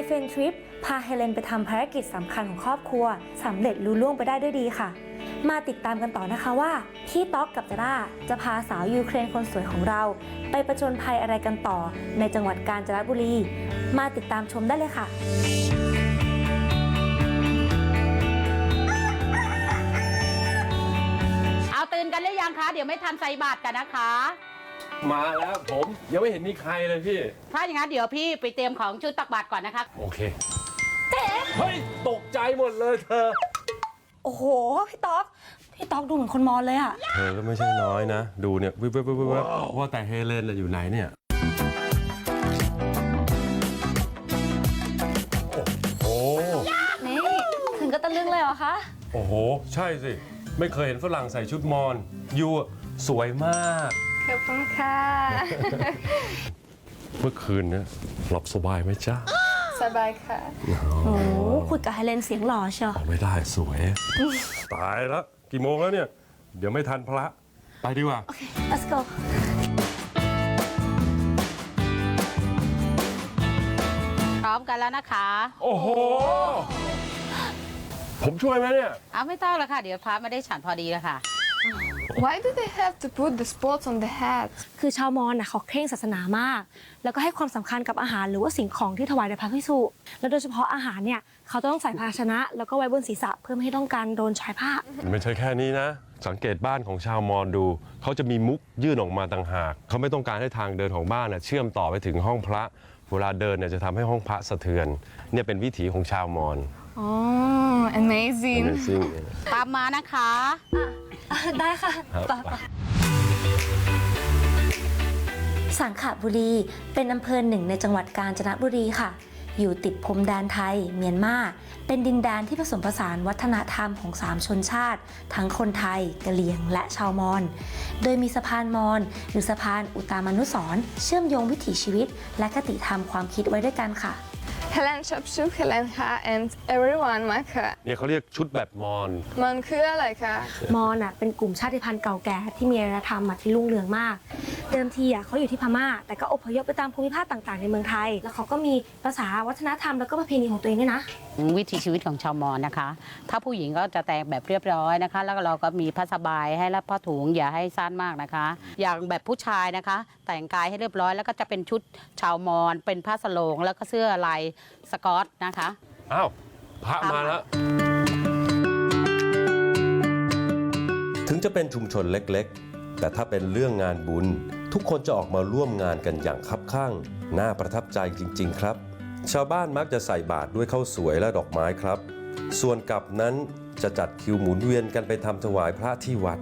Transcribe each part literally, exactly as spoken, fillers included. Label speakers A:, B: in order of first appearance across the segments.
A: เฟนทริปพาเฮเลนไปทำภารกิจสำคัญของครอบครัวสำเร็จลุล่วงไปได้ด้วยดีค่ะมาติดตามกันต่อนะคะว่าพี่ต๊อกกับจาร่าจะพาสาวยูเครนคนสวยของเราไปประจนภัยอะไรกันต่อในจังหวัดกาญจนบุรีมาติดตามชมได้เลยค่ะ
B: เอาตื่นกันหรือยังคะเดี๋ยวไม่ทันใส่บาตรกันนะคะ
C: มาแล้วผมยังไม่เห็นมีใครเลยพี่
B: ถ้าอย่างนั้นเดี๋ยวพี่ไปเตรียมของชุดตักบาตรก่อนนะคะ
C: โอเคเฮ้ยตกใจหมดเลยเธอ
A: โอ้โหพี่ต๊อกพี่ต๊อกดูเหมือนคนมอญเลยอะ
C: เธอก็ไม่ใช่น้อยนะดูเนี่ยวิบวิบวิบวิบว่าแต่เฮเลนอยู่ไหนเนี่ยโอ้โห
A: นี่ถึงก็ตะลึงเลยเหรอคะ
C: โอ้โหใช่สิไม่เคยเห็นฝรั่งใส่ชุดมอญยูสวยมาก
D: ขอบคุณค่ะ
C: เมื่อคืนเนี่ยหลับสบายไหมจ๊ะ
D: สบายค่ะ
A: โอ้คุยกับเฮเลนเสียงหล่อเชียว
C: ไม่ได้สวยตายแล้วกี่โมงแล้วเนี่ยเดี๋ยวไม่ทันพระไปดีกว่า
A: โอเค let's go
B: พร้อมกันแล้วนะคะ
C: โอ้โหผมช่วยไหมเนี่ย
B: เอาไม่ต้องแล้วค่ะเดี๋ยวพระไม่ได้ฉันพอดีแล้วค่ะ
D: Why do they have to put the spots on the hat
A: คือชาวมอญน่ะเขาเคร่งศาสนามากแล้วก็ให้ความสำคัญกับอาหารหรือว่าสิ่งของที่ถวายแด่พระภิกษุแล้วโดยเฉพาะอาหารเนี่ยเขาต้องใส่ภาชนะแล้วก็ไว้บนศีรษะเพื่อไม่ให้ต้องการโดนชายผ้า
C: ไม่ใช่แค่นี้นะสังเกตบ้านของชาวมอญดูเขาจะมีมุกยื่นออกมาต่างหากเขาไม่ต้องการให้ทางเดินของบ้านน่ะเชื่อมต่อไปถึงห้องพระเวลาเดินเนี่ยจะทำให้ห้องพระสะเทือนเนี่ยเป็นวิถีของชาวมอญ
D: อ๋อ amazing
B: ตามมานะคะ
A: ได้ค่ะสังขบุรีเป็นอำเภอหนึ่งในจังหวัดกาญจนบุรีค่ะอยู่ติดพรมแดนไทยเมียนมาเป็นดินแดนที่ผสมผสานวัฒนธรรมของสามชนชาติทั้งคนไทยกะเหรี่ยงและชาวมอญโดยมีสะพานมอญหรือสะพานอุตามานุสรณ์เชื่อมโยงวิถีชีวิตและคติธรรมความคิดไว้ด้วยกันค่ะ
D: เฮเลนชอบชุดเฮเลนค่ะ and everyone มาค่ะ
C: เนี่ยเขาเรียกชุดแบบมอญ
D: มันคืออะไรคะ
A: มอญอ่ะเป็นกลุ่มชาติพันธุ์เก่าแก่ที่มีอารยธรรมที่รุ่งเรืองมากเดิมทีอ่ะเขาอยู่ที่พม่าแต่ก็อพยพไปตามภูมิภาคต่างๆในเมืองไทยแล้วเขาก็มีภาษาวัฒนธรรมแล้วก็ประเพณีของตัวเองด้วยนะ
B: วิถีชีวิตของชาวมอญนะคะถ้าผู้หญิงก็จะแต่งแบบเรียบร้อยนะคะแล้วเราก็มีผ้าสบายให้และผ้าถุงอย่าให้สั้นมากนะคะอย่างแบบผู้ชายนะคะแต่งกายให้เรียบร้อยแล้วก็จะเป็นชุดชาวมอญเป็นผ้าสโลงแล้วก็เสื้อลายสกอตนะคะ
C: อ้าวพระมาแล้ว
E: ถึงจะเป็นชุมชนเล็กๆแต่ถ้าเป็นเรื่องงานบุญทุกคนจะออกมาร่วมงานกันอย่างคับคั่งน่าประทับใจจริงๆครับชาวบ้านมักจะใส่บาตรด้วยข้าวสวยและดอกไม้ครับส่วนกับนั้นจะจัดคิวหมุนเวียนกันไปทำถวายพระที่วัด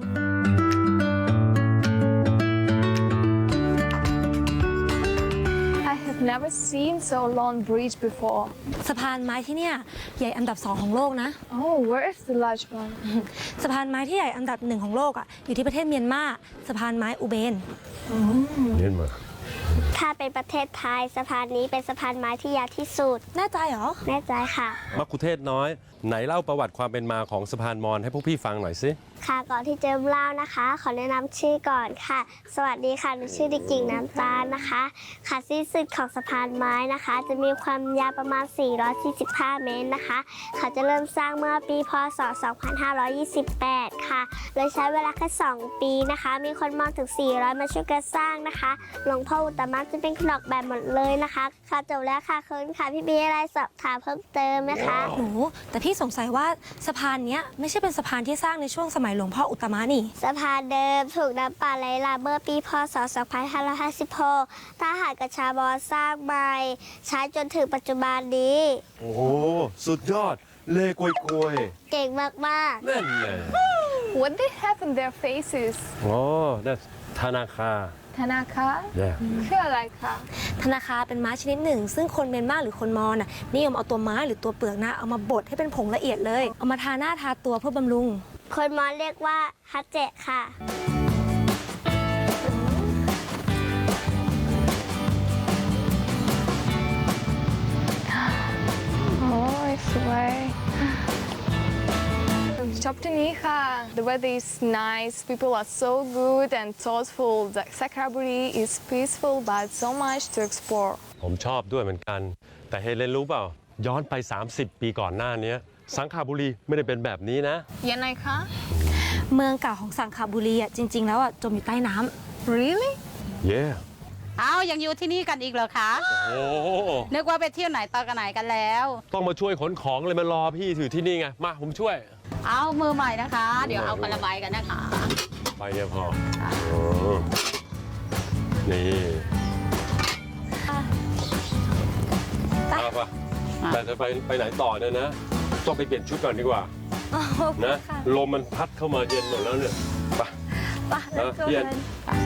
D: Never seen so long bridge before
A: สะพานไม้ที่เนี่ยใหญ่อันดับสองของโลกนะ
D: Oh where is the large one
A: สะพานไม้ที่ใหญ่อันดับหนึ่งของโลกอ่ะอยู่ที่ประเทศเมียนมาสะพานไม้อุเบน
C: เมียนมา
F: ถ้าเป็นประเทศไทยสะพานนี้เป็นสะพานไม้ที่ยาวที่สุด
A: แน่ใจเหรอ
F: แน่ใจค่ะ
C: มักคุเทศน้อยไหนเล่าประวัติความเป็นมาของสะพานมอญให้พวกพี่ฟังหน่อยสิ
F: ค่ะก่อนที่จะเล่านะคะขอแนะนำชื่อก่อนค่ะสวัสดีค่ะหนูชื่อเด็กหญิงน้ำตาลนะคะค่ะสิ้นสุดของสะพานไม้นะคะจะมีความยาวประมาณสี่ร้อยสี่สิบห้าเมตรนะคะเขาจะเริ่มสร้างเมื่อปีพ.ศ. สองพันห้าร้อยยี่สิบแปดค่ะโดยใช้เวลาแค่สองปีนะคะมีคนมองถึงสี่ร้อยมาช่วยกันสร้างนะคะหลวงพ่ออุตตมะจะเป็นขนมแบบหมดเลยนะคะค่ะจบแล้วค่ะคืนค่ะพี่บีอะไรสอบถามเพิ่มเติมไหมคะ
A: หนูแต่พี่สงสัยว่าสะพานนี้ไม่ใช่เป็นสะพานที่สร้างในช่วงสมัยหลวงพ่ออุตตมะนี่
F: สะพานเดิมถูกน้ำป่าไหลหลากเมื่อปีพ.ศ. สองพันห้าร้อยห้าสิบหกทหารกับชาวมอญสร้างใหม่ใช้จนถึงปัจจุบันนี้
C: โอ้โหสุดยอดเล่กวยกวย
F: เก่งมาก
C: ๆนั่นแหละ
D: What they have in their faces
C: อ๋อ that's ธนาคาร
D: ธนาคารคืออะไรคะ
A: ธนาคารเป็นไม้ชนิดหนึ่งซึ่งคนเมียนมาหรือคนมอญน่ะนิยมเอาตัวไม้หรือตัวเปลือกนะเอามาบดให้เป็นผงละเอียดเลยเอามาทาหน้าทาตัวเพื่อบำรุง
F: คนมอญเรียกว่าฮัจเจค่ะ
D: โอ้ยสวยชอบที่นี้ค่ะ The weather is nice people are so good and thoughtful The Sakraburi is peaceful but so much to explore
C: ผมชอบด้วยเหมือนกันแต่เฮเลนรู้เปล่า ย้อนไป สามสิบ ปีก่อนหน้านี้สังขบุรีไม่ได้เป็นแบบนี้นะ
D: ยังไงคะ
A: เมืองเก่าของสังขบุรีอ่ะจริง ๆ แล้วอ่ะจมอยู่ใต้น้ำ
D: really
C: เย่
B: เอายังอยู่ที่นี่กันอีกเหรอคะ
C: โอ้
B: นึกว่าไปเที่ยวไหนตอนกันไหนกันแล้ว
C: ต้องมาช่วยขนของเลยมารอพี่อยู่ที่นี่ไง มาผมช่วย
B: เอามือใหม่นะคะ เดี๋ยวเอากระบายกันนะคะ
C: ไปเนี่ยพออ๋อนี่ไปไปแต่จะไปไปไหนต่อเนี่ยนะ ต้องไปเปลี่ยนชุดก่อนดีกว่านะ ลมมันพัดเข้ามาเย็นหมดแล้วเนี่ย ไป
A: ไป
C: เออเปลี่ยน
A: เดิน